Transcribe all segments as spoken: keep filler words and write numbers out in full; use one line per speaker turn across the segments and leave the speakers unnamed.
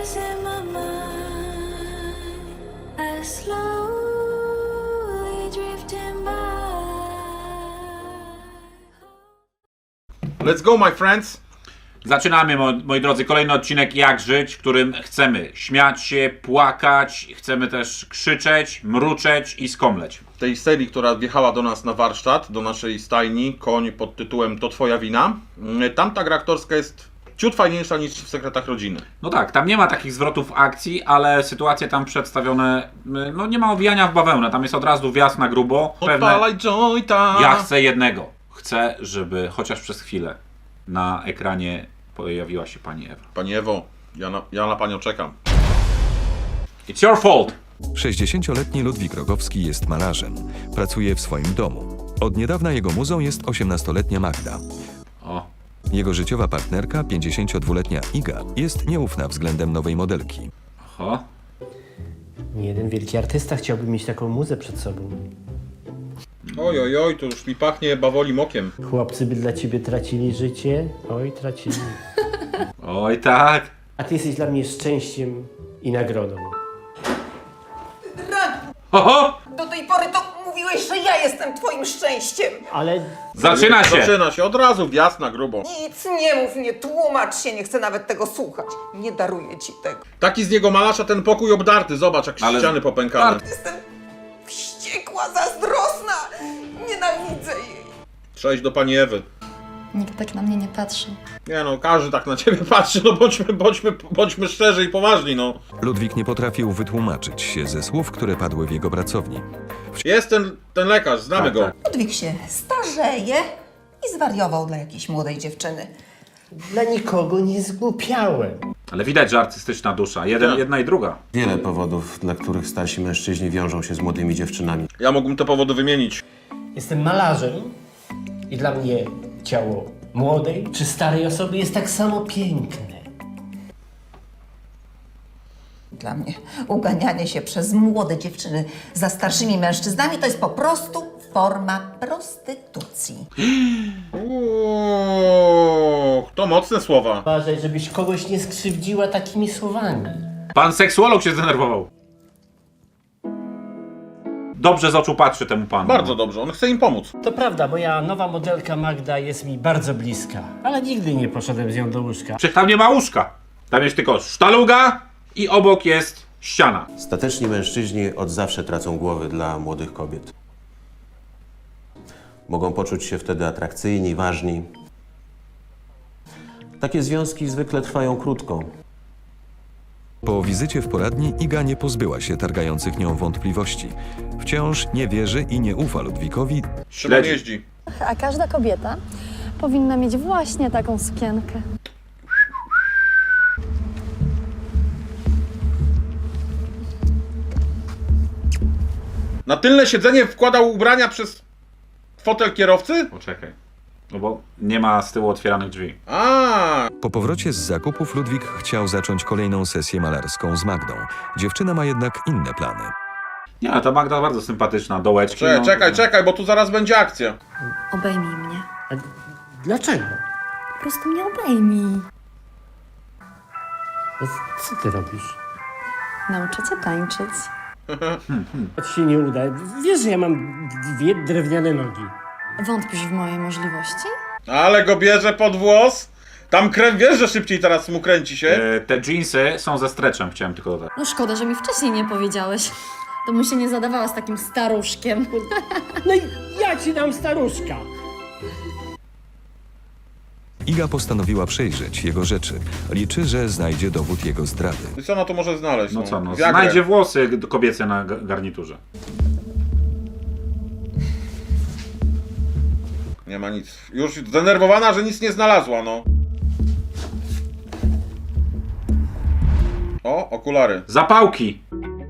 pictures in my mind, I slowly drifting by.
Let's go, my friends!
Zaczynamy, mo moi drodzy, kolejny odcinek Jak żyć, w którym chcemy śmiać się, płakać, chcemy też krzyczeć, mruczeć i skomleć.
Tej serii, która wjechała do nas na warsztat, do naszej stajni, koń pod tytułem To Twoja wina. Tam ta gra aktorska jest ciut fajniejsza niż w Sekretach Rodziny.
No tak, tam nie ma takich zwrotów akcji, ale sytuacje tam przedstawione, no nie ma owijania w bawełnę, tam jest od razu wjazd na grubo.
Odpalaj jointa!
Ja chcę jednego. Chcę, żeby chociaż przez chwilę na ekranie pojawiła się pani Ewa.
Pani Ewo, ja na, ja na panią czekam.
It's your fault!
sześćdziesięcioletni Ludwik Rogowski jest malarzem. Pracuje w swoim domu. Od niedawna jego muzą jest osiemnastoletnia Magda.
O,
Jego życiowa partnerka, pięćdziesięciodwuletnia Iga, jest nieufna względem nowej modelki.
oho.
Nie jeden wielki artysta chciałby mieć taką muzę przed sobą.
Oj, oj, oj, to już mi pachnie bawolim okiem.
Chłopcy by dla ciebie tracili życie. Oj, tracili.
Oj tak.
A ty jesteś dla mnie szczęściem i nagrodą.
Oho!
Do tej pory to mówiłeś, że ja jestem twoim szczęściem.
Ale
Zaczyna się!
Zaczyna się od razu, wjazd na grubo.
Nic nie mów, nie tłumacz się, nie chcę nawet tego słuchać. Nie daruję ci tego.
Taki z niego malarza ten pokój obdarty, zobacz jak
Ale-
ściany popękane.
Jestem wściekła, zazdrosna. Nienawidzę jej.
Cześć do pani Ewy.
Nikt tak na mnie nie patrzy.
Nie no, każdy tak na ciebie patrzy, no bądźmy, bądźmy, bądźmy szczerzy i poważni, no.
Ludwik nie potrafił wytłumaczyć się ze słów, które padły w jego pracowni.
Jest ten, ten lekarz, znamy
Tak,
go.
tak.
Ludwik się starzeje i zwariował dla jakiejś młodej dziewczyny.
dla nikogo nie zgłupiałem.
Ale widać, że artystyczna dusza. Jeden,
Tak.
jedna i druga.
Wiele powodów, dla których starsi mężczyźni wiążą się z młodymi dziewczynami.
Ja mógłbym te powody wymienić.
Jestem malarzem i dla mnie ciało młodej czy starej osoby jest tak samo piękne.
Dla mnie uganianie się przez młode dziewczyny za starszymi mężczyznami to jest po prostu forma prostytucji.
Uuu, to mocne słowa.
Uważaj, żebyś kogoś nie skrzywdziła takimi słowami.
Pan seksuolog się zdenerwował. Dobrze z oczu patrzy temu panu.
Bardzo dobrze, on chce im pomóc.
To prawda, moja nowa modelka Magda jest mi bardzo bliska, ale nigdy nie poszedłem z nią do łóżka.
Przecież tam nie ma łóżka. Tam jest tylko sztaluga i obok jest ściana.
Stateczni mężczyźni od zawsze tracą głowy dla młodych kobiet. Mogą poczuć się wtedy atrakcyjni, ważni. Takie związki zwykle trwają krótko.
Po wizycie w poradni Iga nie pozbyła się targających nią wątpliwości. Wciąż nie wierzy i nie ufa Ludwikowi,
Szymon
Śledzi.
jeździ.
A każda kobieta powinna mieć właśnie taką sukienkę.
Na tylne siedzenie wkładał ubrania przez fotel kierowcy?
Poczekaj. No bo nie ma z tyłu otwieranych drzwi.
A,
Po powrocie z zakupów Ludwik chciał zacząć kolejną sesję malarską z Magdą. Dziewczyna ma jednak inne plany.
Nie, ale ta Magda bardzo sympatyczna. Dołeczki.
czekaj,
no,
czekaj, czekaj, bo tu zaraz będzie akcja.
Obejmij mnie.
A dlaczego?
Po prostu mnie obejmij.
No, co ty robisz?
Nauczę cię tańczyć.
To ci się nie uda. Wiesz, że ja mam dwie drewniane nogi.
Wątpisz w moje możliwości?
Ale go bierze pod włos. Tam krew, wiesz, że szybciej teraz mu kręci się.
E, te jeansy są ze streczem, chciałem tylko dodać.
No szkoda, że mi wcześniej nie powiedziałeś. To mu się nie zadawała z takim staruszkiem.
No i ja ci dam staruszka.
Iga postanowiła przejrzeć jego rzeczy. Liczy, że znajdzie dowód jego zdrady.
I co ona to może znaleźć?
No co, no,
Viagrę.
znajdzie włosy kobiece na ga- garniturze.
Nie ma nic. Już zdenerwowana, że nic nie znalazła, no. O, okulary.
Zapałki!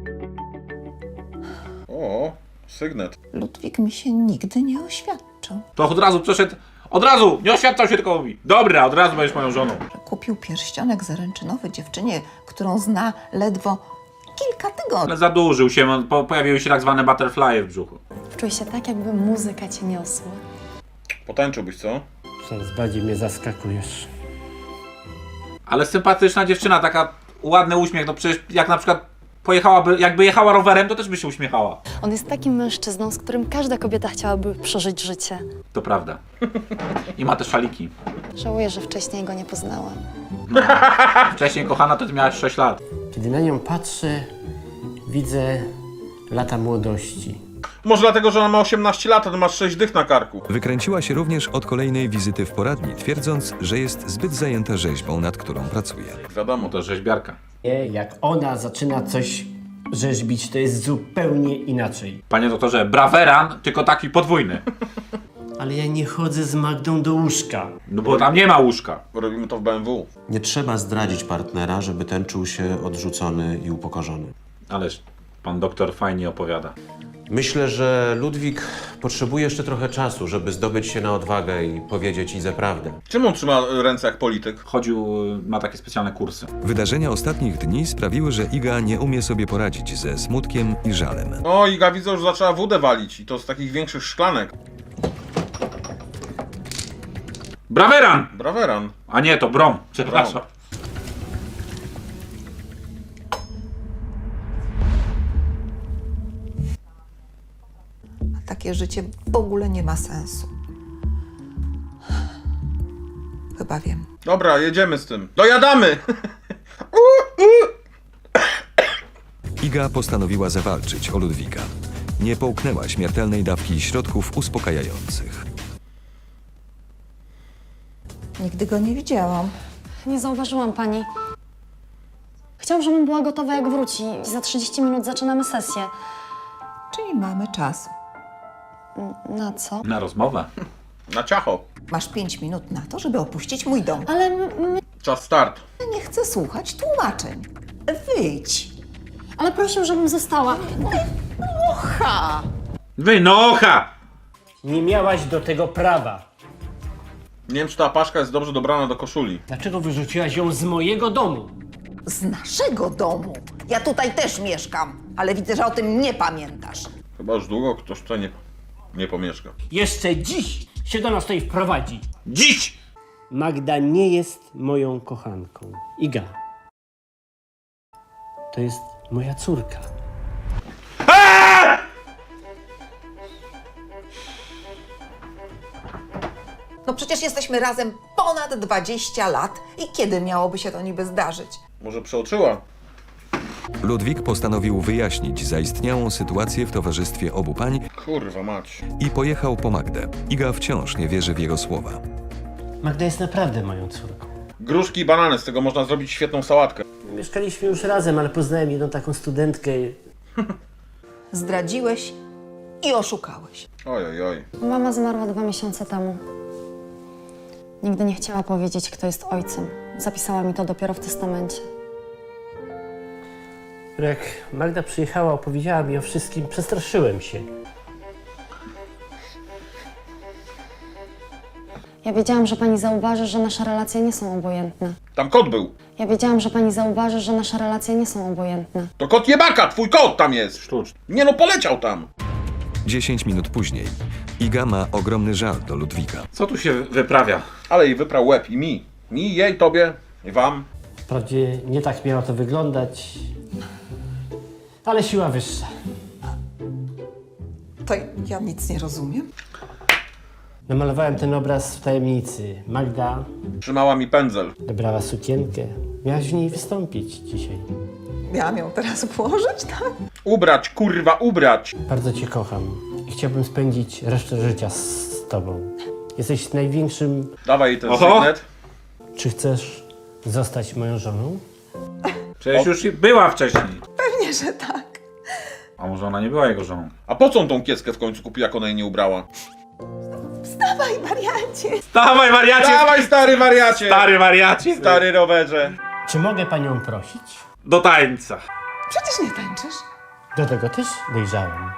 O, sygnet.
Ludwik mi się nigdy nie oświadczył.
To od razu przeszedł. Od razu! Nie oświadczał się, tylko mówi. Dobra, od razu będziesz moją żoną.
Kupił pierścionek zaręczynowy dziewczynie, którą zna ledwo kilka tygodni.
Ale zadłużył się, po, pojawiły się tak zwane butterfly w brzuchu.
Czuj się tak, jakby muzyka cię niosła.
Potańczyłbyś, co?
Coraz bardziej mnie zaskakujesz.
Ale sympatyczna dziewczyna, taka ładny uśmiech, no przecież jak na przykład pojechałaby, jakby jechała rowerem, to też by się uśmiechała.
On jest takim mężczyzną, z którym każda kobieta chciałaby przeżyć życie.
To prawda. I ma te szaliki.
Żałuję, że wcześniej go nie poznałam.
Wcześniej, kochana, to ty miałaś sześć lat.
Kiedy na nią patrzę, widzę lata młodości.
Może dlatego, że ona ma osiemnaście lat, a ty masz sześć dych na karku.
Wykręciła się również od kolejnej wizyty w poradni, twierdząc, że jest zbyt zajęta rzeźbą, nad którą pracuje.
Wiadomo,
To rzeźbiarka.
Nie, jak ona zaczyna coś rzeźbić, to jest zupełnie inaczej.
Panie doktorze, braweran, tylko taki podwójny.
Ale ja nie chodzę z Magdą do łóżka.
No bo tam nie ma łóżka.
robimy to w B M W.
Nie trzeba zdradzić partnera, żeby ten czuł się odrzucony i upokorzony.
Ależ pan doktor fajnie opowiada.
Myślę, że Ludwik potrzebuje jeszcze trochę czasu, żeby zdobyć się na odwagę i powiedzieć Idze prawdę.
Czym on trzyma ręce jak polityk?
Chodził, ma takie specjalne kursy.
Wydarzenia ostatnich dni sprawiły, że Iga nie umie sobie poradzić ze smutkiem i żalem.
No Iga widzę, że zaczęła wódę walić i to z takich większych szklanek.
Braweran!
Braweran.
A nie, to brom. Przepraszam.
Takie życie w ogóle nie ma sensu. Chyba wiem.
Dobra, jedziemy z tym. Dojadamy!
Iga postanowiła zawalczyć o Ludwika. Nie połknęła śmiertelnej dawki środków uspokajających.
Nigdy go nie widziałam.
Nie zauważyłam pani. Chciałam, żebym była gotowa, jak wróci. Za trzydzieści minut zaczynamy sesję.
Czyli mamy czas.
Na co?
Na rozmowę.
Na ciacho.
Masz pięć minut na to, żeby opuścić mój dom.
Ale m- m-
Czas start.
Ja nie chcę słuchać tłumaczeń. Wyjdź.
ale prosił, żebym została.
Ha!
Wynocha!
Nie miałaś do tego prawa.
Nie wiem, czy ta paszka jest dobrze dobrana do koszuli.
Dlaczego wyrzuciłaś ją z mojego domu?
Z naszego domu. Ja tutaj też mieszkam, ale widzę, że o tym nie pamiętasz.
Chyba już długo ktoś tutaj nie, nie pomieszka.
Jeszcze dziś się do nas tutaj wprowadzi.
Dziś!
Magda nie jest moją kochanką. Iga. To jest moja córka.
No przecież jesteśmy razem ponad dwadzieścia lat. I kiedy miałoby się to niby zdarzyć?
Może przeoczyła?
Ludwik postanowił wyjaśnić zaistniałą sytuację w towarzystwie obu pań
Kurwa mać.
i pojechał po Magdę. Iga wciąż nie wierzy w jego słowa.
Magda jest naprawdę moją córką.
Gruszki i banany, z tego można zrobić świetną sałatkę.
Mieszkaliśmy już razem, ale poznałem jedną taką studentkę.
Zdradziłeś i oszukałeś.
Oj, oj, oj.
Mama zmarła dwa miesiące temu. Nigdy nie chciała powiedzieć, kto jest ojcem. Zapisała mi to dopiero w testamencie.
Jak Magda przyjechała, opowiedziała mi o wszystkim, przestraszyłem się.
Ja wiedziałam, że pani zauważy, że nasze relacje nie są obojętne.
Tam kot był.
Ja wiedziałam, że pani zauważy, że nasze relacje nie są obojętne.
To kot jebaka, twój kot tam jest.
Sztuczny.
Nie no, poleciał tam.
Dziesięć minut później. Iga ma ogromny żal do Ludwika.
Co tu się wyprawia?
Ale jej wyprał łeb i mi. Mi, jej, tobie i wam.
Wprawdzie nie tak miało to wyglądać, ale siła wyższa.
To ja nic nie rozumiem.
Namalowałem ten obraz w tajemnicy. Magda
Trzymała mi pędzel.
dobrała sukienkę. Miałaś w niej wystąpić dzisiaj.
Miałam ją teraz włożyć, tak?
Ubrać, kurwa, ubrać.
Bardzo cię kocham i chciałbym spędzić resztę życia z tobą. Jesteś największym...
Dawaj jej ten
Oho.
sygnet.
Czy chcesz zostać moją żoną?
Przecież już była wcześniej.
Pewnie, że tak.
A może ona nie była jego żoną?
A po co on tą kieckę w końcu kupiła, jak ona jej nie ubrała?
Dawaj, wariancie.
Dawaj, wariacie!
Dawaj, stary wariacie!
Stary wariacie!
Stary rowerze.
Czy mogę panią prosić?
Do tańca.
Przecież nie tańczysz.
Do tego też dojrzałem.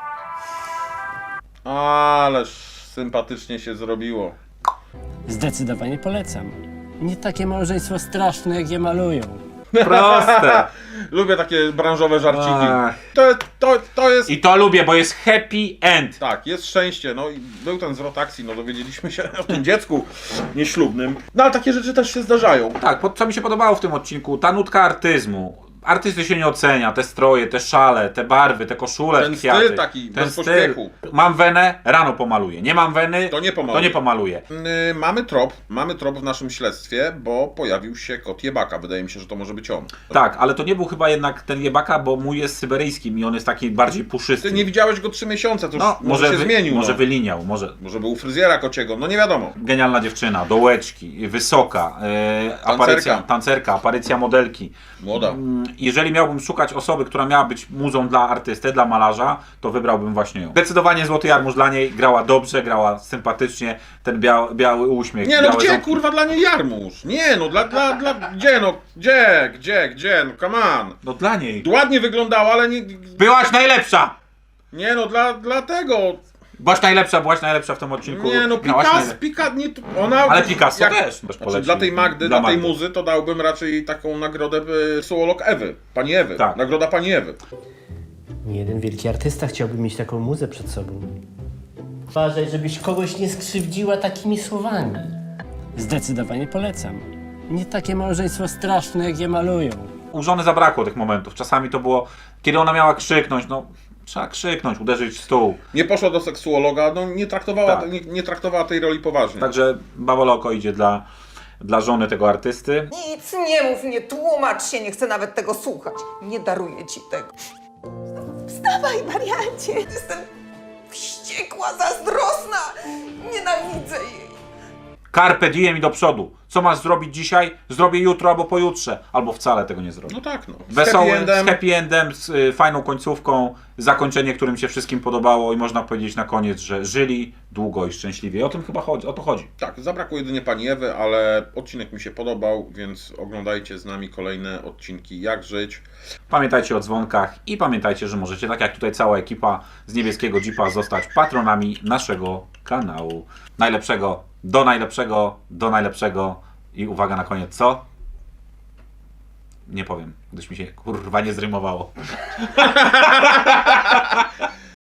Ależ sympatycznie się zrobiło.
Zdecydowanie polecam. Nie takie małżeństwo straszne, jak je malują.
Proste.
Lubię takie branżowe żarciki.
Ach.
To, to, to jest...
I to lubię, bo jest happy end.
Tak, jest szczęście. No i był ten zwrot akcji, no dowiedzieliśmy się o tym dziecku nieślubnym. No ale takie rzeczy też się zdarzają.
Tak, po- co mi się podobało w tym odcinku, ta nutka artyzmu. Artysty się nie ocenia, te stroje, te szale, te barwy, te koszule,
Ten
w kwiaty.
styl taki, bez pośpiechu.
Mam wenę, rano pomaluję. Nie mam weny,
To nie pomaluję.
To nie pomaluję.
Yy, mamy trop, mamy trop w naszym śledztwie, bo pojawił się kot Jebaka. Wydaje mi się, że to może być on.
Tak, ale to nie był chyba jednak ten Jebaka, bo mój jest syberyjskim i on jest taki bardziej puszysty.
Ty nie widziałeś go trzy miesiące, to już
No,
może,
może,
się
wy,
zmienił.
może
no.
wyliniał, może.
Może był u fryzjera kociego, no nie wiadomo.
Genialna dziewczyna, dołeczki, wysoka, e, aparycja, tancerka, aparycja modelki.
Młoda.
Mm, Jeżeli miałbym szukać osoby, która miała być muzą dla artysty, dla malarza, to wybrałbym właśnie ją. Zdecydowanie Złoty Jarmuż dla niej grała dobrze, grała sympatycznie, ten biały, biały uśmiech.
Nie no,
białe
gdzie
ząbki.
kurwa dla niej Jarmuż? Nie no, dla, dla, dla, gdzie no, gdzie, gdzie, gdzie, no come on.
No dla niej.
Ładnie wyglądała, ale nie,
Byłaś najlepsza!
nie no, dla, dla tego.
Byłaś najlepsza, byłaś najlepsza w tym odcinku.
Nie no,
Grałaś
Picasso,
najle-
Picasso, nie, ona...
Ale Picasso też. też
Znaczy,
poleci.
dla tej Magdy, dla, tej
Magdy.
muzy, to dałbym raczej taką nagrodę y, suolog Ewy, pani Ewy.
Tak.
Nagroda pani Ewy.
Nie jeden wielki artysta chciałby mieć taką muzę przed sobą. Uważaj, żebyś kogoś nie skrzywdziła takimi słowami. Zdecydowanie polecam. Nie takie małżeństwo straszne, jak je malują.
U żony zabrakło tych momentów. Czasami to było, kiedy ona miała krzyknąć, no trzeba krzyknąć, uderzyć w stół.
Nie poszła do seksuologa, no nie traktowała,
Tak.
nie, nie traktowała tej roli poważnie.
Także Bawoloko idzie dla, dla żony tego artysty.
Nic nie mów, nie tłumacz się, nie chcę nawet tego słuchać. Nie daruję ci tego. Wstawaj, wariancie. Jestem wściekła, zazdrosna. Nienawidzę jej.
Carpe diem i do przodu. Co masz zrobić dzisiaj? Zrobię jutro albo pojutrze. Albo wcale tego nie zrobię.
No tak no. Z
Wesoły,
happy endem.
z happy endem, z y, fajną końcówką, zakończenie, którym się wszystkim podobało i można powiedzieć na koniec, że żyli długo i szczęśliwie. I o tym chyba chodzi, o to chodzi.
Tak, zabrakło jedynie pani Ewy, ale odcinek mi się podobał, więc oglądajcie z nami kolejne odcinki Jak żyć.
Pamiętajcie o dzwonkach i pamiętajcie, że możecie, tak jak tutaj cała ekipa z Niebieskiego Jeepa, zostać patronami naszego kanału. Najlepszego, do najlepszego, do najlepszego i uwaga na koniec, co? Nie powiem, gdyż mi się kurwa nie zrymowało.